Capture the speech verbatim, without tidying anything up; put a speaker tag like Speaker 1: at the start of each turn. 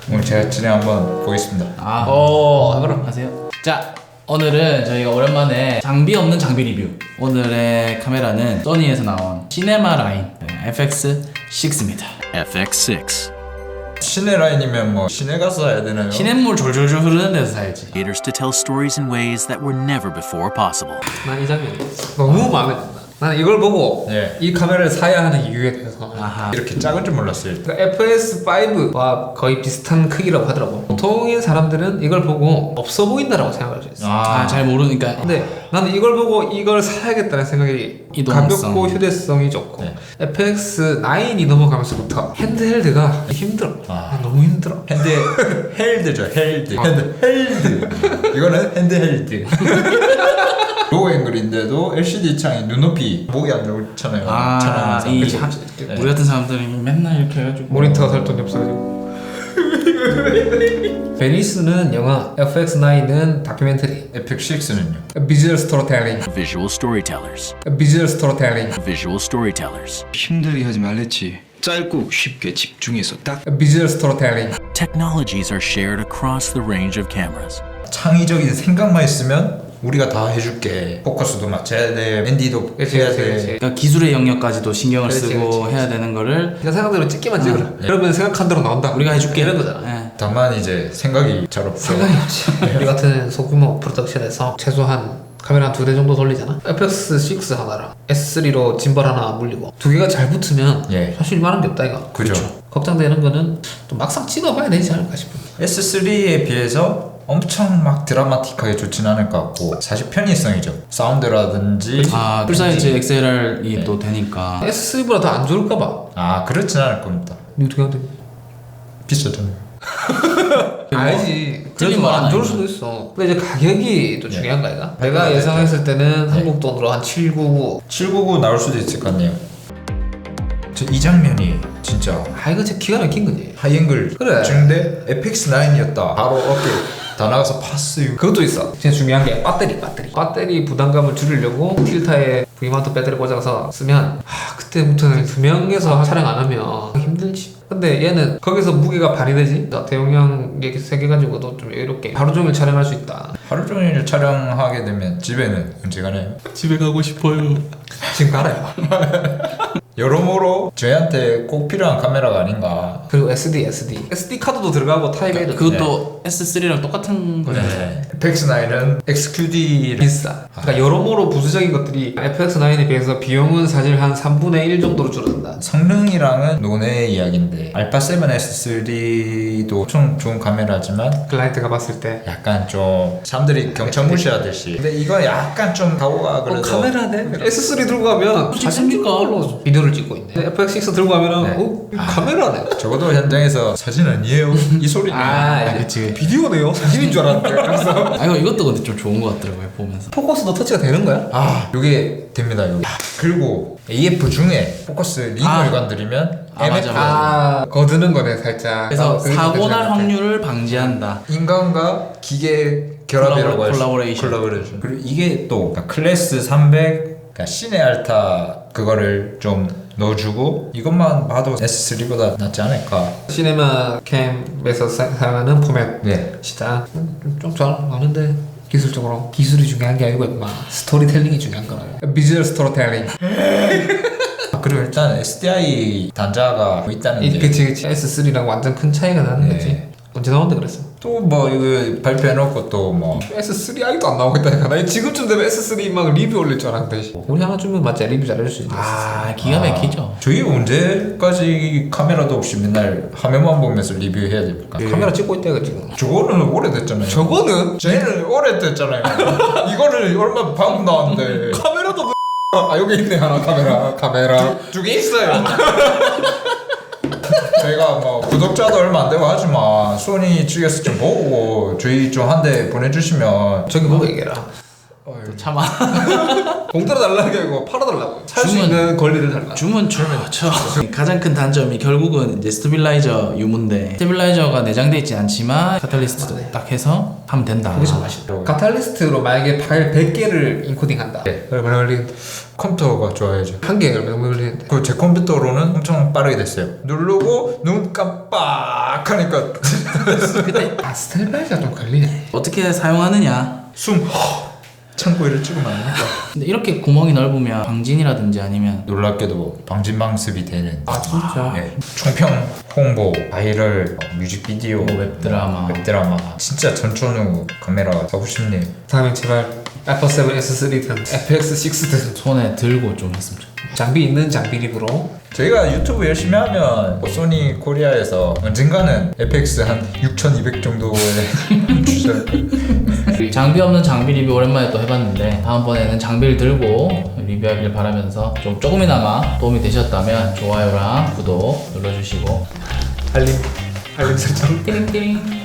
Speaker 1: 오늘 제가 진행 한번 보겠습니다.
Speaker 2: 아,
Speaker 3: 어,
Speaker 2: 그럼 하세요. 자, 오늘은 저희가 오랜만에 장비 없는 장비 리뷰. 오늘의 카메라는 소니에서 나온 시네마 라인 에프엑스 식스입니다.
Speaker 4: 에프엑스 식스
Speaker 1: 시내 라인이면 뭐 시내 가서 해야 되나요?
Speaker 2: 시냇물 졸졸졸 흐르는 데서 사야지.
Speaker 4: caters to tell stories in ways that were never before possible.
Speaker 3: 난 이 장면 너무 마음에 든다. 나는 이걸 보고
Speaker 1: 예.
Speaker 3: 이 카메라를 사야 하는 이유에 대해서
Speaker 2: 아하.
Speaker 1: 이렇게 작은 줄 몰랐어요.
Speaker 3: 그러니까 에프에스 파이브와 거의 비슷한 크기라고 하더라고. 보통의 사람들은 이걸 보고 없어 보인다라고 생각할 수 있어.
Speaker 2: 아, 잘 모르니까.
Speaker 3: 근데 나는 이걸 보고 이걸 사야겠다는 생각이
Speaker 2: 이동성.
Speaker 3: 가볍고 휴대성이 좋고
Speaker 1: 네.
Speaker 3: 에프엑스 나인이 넘어가면서부터 핸드헬드가 힘들어.
Speaker 1: 아.
Speaker 3: 너무 힘들어.
Speaker 1: 핸드 헬드죠, 헬드.
Speaker 3: 어.
Speaker 1: 핸드 헬드. 이거는 핸드 헬드. 로우 앵글인데도 엘시디 창이 눈높이 목이 안 좋잖아요.
Speaker 2: 아,
Speaker 1: 촬영하면서.
Speaker 2: 이
Speaker 1: 그치?
Speaker 2: 하,
Speaker 1: 네.
Speaker 2: 우리 같은 사람들이 맨날 이렇게 해가지고
Speaker 3: 모니터가 살 돈이 없어가지고. 베니스는 영화, 에프엑스 나인은 다큐멘터리.
Speaker 1: 에프엑스 식스는요?
Speaker 3: 비주얼 스토리텔링.
Speaker 4: Visual storytellers.
Speaker 3: 비주얼 스토리텔링.
Speaker 4: Visual storytellers.
Speaker 5: 힘들게 하지 말랬지. 짧고 쉽게 집중해서 딱
Speaker 3: 비주얼 스토리텔링.
Speaker 4: Technologies are shared across the range of cameras.
Speaker 1: 창의적인 생각만 있으면 우리가 다 해줄게. 포커스도 맞춰야 돼, 앤디도
Speaker 3: 그치,
Speaker 1: 해야
Speaker 3: 그치,
Speaker 1: 돼.
Speaker 3: 그치.
Speaker 2: 그러니까 기술의 영역까지도 신경을
Speaker 3: 그렇지,
Speaker 2: 쓰고
Speaker 3: 그렇지,
Speaker 2: 해야 되는 거를
Speaker 3: 그냥 생각대로 찍기만 찍으라.
Speaker 1: 네.
Speaker 3: 그러면 생각한 대로 나온다.
Speaker 2: 우리가 해줄게.
Speaker 3: 이런 거잖아.
Speaker 2: 예.
Speaker 1: 다만 이제 생각이 잘 없어.
Speaker 3: 생각이 없지. 우리 같은 소규모 프로덕션에서 최소한 카메라 한 두 대 정도 돌리잖아. 에프엑스 식스 하나랑 에스 쓰리로 짐벌 하나 물리고 두 개가 잘 붙으면
Speaker 1: 예.
Speaker 3: 사실 많은 게 없다 이거.
Speaker 1: 그죠.
Speaker 3: 걱정되는 거는 또 막상 찍어봐야 되지 않을까 싶은데.
Speaker 1: 에스 쓰리에 비해서 엄청 막 드라마틱하게 좋진 않을 것 같고 사실 편의성이죠. 사운드라든지
Speaker 2: 아, 풀사이즈
Speaker 1: 왠지-
Speaker 2: 엑스엘알이
Speaker 1: 네.
Speaker 2: 또 되니까.
Speaker 3: 에스 쓰리보다 더 안 좋을까 봐.
Speaker 1: 아 그렇진 않을 겁니다.
Speaker 3: 이거 어떻게 하는데?
Speaker 1: 비싸잖아요.
Speaker 3: 알지. 그래도
Speaker 2: 틀린 말은
Speaker 3: 안 좋을
Speaker 2: 아니죠.
Speaker 3: 수도 있어. 근데 이제 가격이 또
Speaker 1: 네.
Speaker 3: 중요한 거 아이가? 내가
Speaker 1: 네.
Speaker 3: 예상했을 때는
Speaker 1: 네.
Speaker 3: 한국 돈으로 한 칠백구십구.
Speaker 1: 칠백구십구 나올 수도 있을 것 같네요. 저 이 장면이 진짜
Speaker 3: 아 이거 진짜 기가 막힌 거지.
Speaker 1: 하이앵글
Speaker 3: 그래.
Speaker 1: 중대 에프엑스 나인이었다. 바로 어깨 다 나가서 파스.
Speaker 3: 그것도 있어. 진짜 중요한 게 배터리, 배터리. 배터리 부담감을 줄이려고 틸타에 브이마운트 배터리 꽂아서 쓰면 아 그때부터는 두 명에서 촬영 안 하면 힘들지. 근데 얘는 거기서 무게가 반이 되지. 대용량 이렇게 세개 가지고도 좀 여유롭게 하루 종일 촬영할 수 있다.
Speaker 1: 하루 종일 촬영하게 되면 집에는 언제 가나요?
Speaker 2: 집에 가고 싶어요.
Speaker 3: 지금 가라요.
Speaker 1: 여러모로 저희한테 꼭 필요한 카메라가 아닌가.
Speaker 3: 그리고 에스디, 에스디. 에스디 카드도 들어가고 타입 A도
Speaker 2: 그것도 에스 쓰리랑 똑같은 거잖아요.
Speaker 1: 네. 에프엑스 나인은 엑스큐디를
Speaker 3: 비싸. 그러니까 여러모로 부수적인 것들이 에프엑스 나인에 비해서 비용은 사실 한 삼분의 일 정도로 줄어든다.
Speaker 1: 성능이랑은 논의 이야기인데 알파 세븐 에스 쓰리도 엄청 좋은 카메라지만
Speaker 3: 클라이언트가 봤을 때
Speaker 1: 약간 좀 사람들이 경청 무시하듯이 근데 이거 약간 좀 가오가 그래서
Speaker 3: 어, 카메라네? 에스 쓰리 들고 가면
Speaker 2: 찍습니까?
Speaker 3: 비디오를 찍고 있네. 에프엑스 식스 들고 가면
Speaker 1: 네.
Speaker 3: 어? 이거 카메라네.
Speaker 1: 적어도 현장에서 사진 아니에요 이 소리네.
Speaker 2: 아, 그치.
Speaker 3: 비디오네요? 사진인 줄 알았는데. 그래서
Speaker 2: 아, 이거 이것도 근데 좀 좋은 것 같더라고요, 보면서.
Speaker 3: 포커스도 터치가 되는 거야?
Speaker 1: 아 요게 됩니다 여기. 그리고 에이에프 중에 포커스 링을
Speaker 2: 아.
Speaker 1: 건드리면
Speaker 2: 아, 맞아, 맞아.
Speaker 3: 아 거드는 거네 살짝.
Speaker 2: 그래서
Speaker 3: 아, 그게
Speaker 2: 사고
Speaker 3: 괜찮은
Speaker 2: 날
Speaker 3: 것 같아.
Speaker 2: 확률을 방지한다.
Speaker 1: 인간과 기계 결합이라고 할 수-
Speaker 2: 콜라보레이션.
Speaker 1: 콜라보레이션. 그리고 이게 또 그러니까 클래스 삼백 그러니까 시네 알타 그거를 좀 넣어주고 이것만 봐도 에스 쓰리보다 낫지 않을까.
Speaker 3: 시네마 캠에서 사- 사용하는 포맷
Speaker 1: 네.
Speaker 3: 시장 좀잘 아는데 기술적으로 기술이 중요한 게 아니고 임마 스토리텔링이 중요한 거라고. 비주얼 스토리텔링.
Speaker 1: 아, 그리고 일단 에스디아이 단자가 뭐 있다는
Speaker 3: 이-
Speaker 1: 게
Speaker 3: 그치 그치 에스 쓰리랑 완전 큰 차이가 나는
Speaker 1: 네.
Speaker 3: 거지. 언제 나온다 그랬어?
Speaker 1: 또 뭐 이거 발표해놓고 또 뭐
Speaker 3: 에스 쓰리 아직도 안 나오고 있다니까. 나 지금쯤 되면 에스 쓰리 막 리뷰 올릴 줄 알았는데 우리 하나 주면 맞지 리뷰 잘해줄 수 있는.
Speaker 2: 아, 기가 막히죠.
Speaker 1: 저희 언제까지 카메라도 없이 맨날 화면만 보면서 리뷰해야 됩니까?
Speaker 3: 카메라 찍고 있다 이거 지금.
Speaker 1: 저거는 오래됐잖아요.
Speaker 3: 저거는
Speaker 1: 저희는 오래됐잖아요. 이거를 얼마 방금 나왔는데
Speaker 3: 카메라도
Speaker 1: 아 여기 있네 하나 카메라 카메라
Speaker 3: 두 개 있어요.
Speaker 1: 저희가 뭐 구독자도 얼마 안 되고 하지만 소니 측에서 좀 보고 저희 좀 한 대 보내주시면
Speaker 3: 저기 보고 얘기해라.
Speaker 2: 또 참아.
Speaker 3: 공짜로 달라는 게 아니고 팔아달라고. 살 수
Speaker 2: 주문-
Speaker 3: 있는 권리를 달라.
Speaker 2: 주문 좋죠. 가장 큰 단점이 결국은 이제 스테빌라이저 유무인데 스테빌라이저가 내장돼 있진 않지만 카탈리스트도 딱 해서 하면 된다.
Speaker 3: 그게 좀 아쉽다. 카탈리스트로 만약에 파일 백 개를 인코딩한다.
Speaker 1: 네.
Speaker 3: 얼마나 걸리는데?
Speaker 1: 컴퓨터가 좋아야죠.
Speaker 3: 한 개에 얼마나 걸리는데?
Speaker 1: 그 제 컴퓨터로는 엄청 빠르게 됐어요. 누르고 눈 깜빡하니까
Speaker 2: 그때
Speaker 3: 아 스텔바이가 좀 걸리네.
Speaker 2: 어떻게 사용하느냐.
Speaker 1: 숨 창고에를 찍으면 안 된다.
Speaker 2: 근데 이렇게 구멍이 넓으면 방진이라든지 아니면
Speaker 1: 놀랍게도 방진방습이 되는
Speaker 3: 아 진짜.
Speaker 1: 네. 총평, 홍보, 바이럴, 어, 뮤직비디오,
Speaker 2: 뭐 웹드라마.
Speaker 1: 웹드라마 진짜 전천후 카메라 사고 싶네요.
Speaker 3: 다음에 제발 애플 세븐 에스 쓰리든 에프엑스 식스든
Speaker 2: 손에 들고 좀 했으면 좋겠어요.
Speaker 3: 장비 있는 장비 리뷰로
Speaker 1: 저희가 유튜브 열심히 하면 뭐 소니 코리아에서 언젠가는 에프엑스 한 육천이백 정도에 주셔야
Speaker 2: 장비 없는 장비 리뷰 오랜만에 또 해봤는데 다음번에는 장비를 들고 리뷰하길 바라면서 좀 조금이나마 도움이 되셨다면 좋아요랑 구독 눌러주시고
Speaker 3: 알림 알림 설정.
Speaker 2: 띠링띠링